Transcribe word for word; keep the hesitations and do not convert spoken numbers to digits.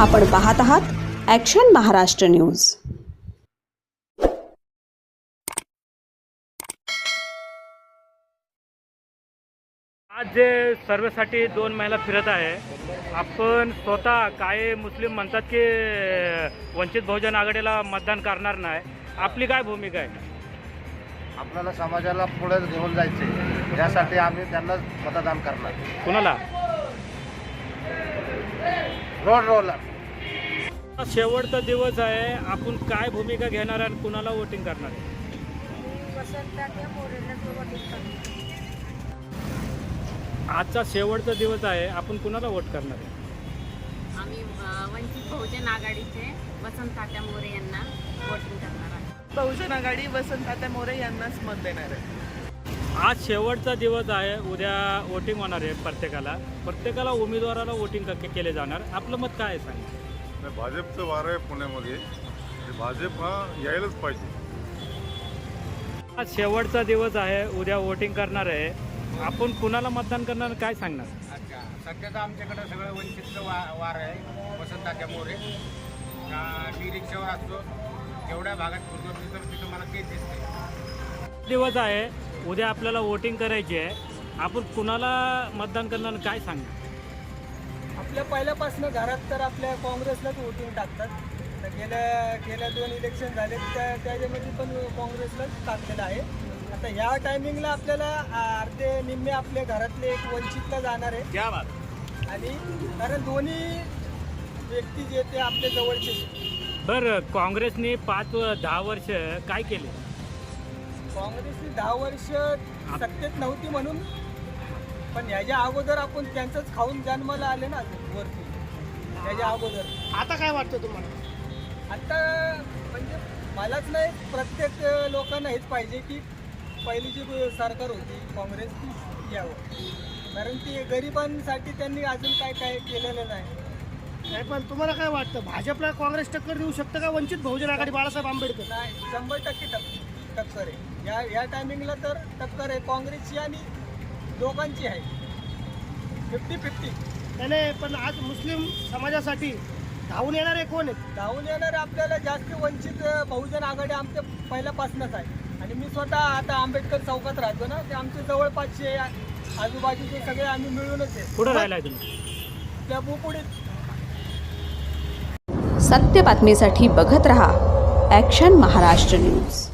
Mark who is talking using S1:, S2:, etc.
S1: आपण पाहत आहात ॲक्शन महाराष्ट्र न्यूज।
S2: आज जे सर्वेसाठी दोन महिला फिरत आहे, आपण स्वतः काय मुस्लिम म्हणतात की वंचित बहुजन आघाडीला मतदान करणार नाही, आपली काय भूमिका आहे?
S3: आपल्याला समाजाला पुढे घेऊन जायचे, यासाठी आम्ही त्यांना मतदान करणार।
S2: कुणाला?
S3: Road roller.
S2: शेवटचा दिवस आहे, आपण काय भूमिका घेणार आणि कुणाला वोटिंग करणार आहे? आजचा शेवटचा दिवस आहे, आपण कुणाला वोट करणार आहे?
S4: आम्ही वंचित बहुजन आघाडीचे वसंत तात्या मोरे यांना वोटिंग करणार आहे।
S5: बहुजन आघाडी वसंत तात्या मोरे यांनाच मत देणार आहे।
S2: आज शेवटचा दिवस आहे, उद्या वोटिंग होणार आहे। प्रत्येकाला प्रत्येकाला उमेदवाराला वोटिंग केले जाणार, आपलं मत काय आहे सांगा?
S6: भाजपचं वार आहे पुण्यामध्ये, भाजप हा यायलाच पाहिजे।
S2: आज शेवटचा दिवस आहे, उद्या वोटिंग करणार आहे, आपण कुणाला मतदान करणार काय सांगणार?
S7: अच्छा, सध्या तर आमच्याकडे सगळं वंचितचं वा वार आहे, वसंत तात्या मोरे। मी रिक्षावर असतो, जेवढ्या भागात फिरतो तर तिथं मला तेच दिसते।
S2: दिवस आहे, उद्या आपल्याला वोटिंग करायची आहे, आपण कुणाला मतदान करणार काय सांगणार?
S5: आपल्या पहिल्यापासून घरात तर आपल्या काँग्रेसलाच वोटिंग टाकतात। तर गेल्या गेल्या दोन इलेक्शन झाले, त्या त्याच्यामध्ये पण काँग्रेसलाच टाकलेलं आहे। आता ह्या टायमिंगला आपल्याला अर्धे निम्मे आपल्या घरातले एक वंचितला जाणार आहे।
S2: क्या बात।
S5: आणि कारण दोन्ही व्यक्ती जे ते आपल्या जवळचे।
S2: बरं, काँग्रेसने पाच दहा वर्ष काय केले?
S5: काँग्रेसने दहा वर्ष सत्तेत नव्हती म्हणून, पण ह्याच्या अगोदर आपण त्यांचंच खाऊन जन्माला आले ना वरती, त्याच्या अगोदर।
S8: आता काय वाटतं तुम्हाला?
S5: आता म्हणजे मलाच नाही, प्रत्येक लोकांना हेच पाहिजे की पहिली जी सरकार होती काँग्रेस ती यावं, कारण ती गरिबांसाठी त्यांनी अजून काय काय केलेलं नाही।
S8: नाही, पण तुम्हाला काय वाटतं, भाजपला काँग्रेस टक्कर देऊ शकतं का वंचित बहुजन आघाडी बाळासाहेब आंबेडकर?
S5: नाही, शंभर टक्के टक्क टक्कर आहे। या या टायमिंगला तर टक्कर आहे काँग्रेसची आणि दोघांची आहे, फिफ्टी फिफ्टी।
S8: त्याने पण आज मुस्लिम समाजासाठी धावून येणारे कोण आहेत?
S5: धावून येणारे आपल्याला जास्त वंचित बहुजन आघाडी आमच्या पहिल्यापासूनच आहे। आणि मी स्वतः आता आंबेडकर चौकात राहतो ना, ते आमचे जवळपासचे आजूबाजूचे सगळे आम्ही मिळूनच आहे।
S2: कुठं राहिलाय तुम्ही?
S5: त्या बुपुडीत।
S1: सत्य बातमीसाठी बघत रहा ॲक्शन महाराष्ट्र न्यूज।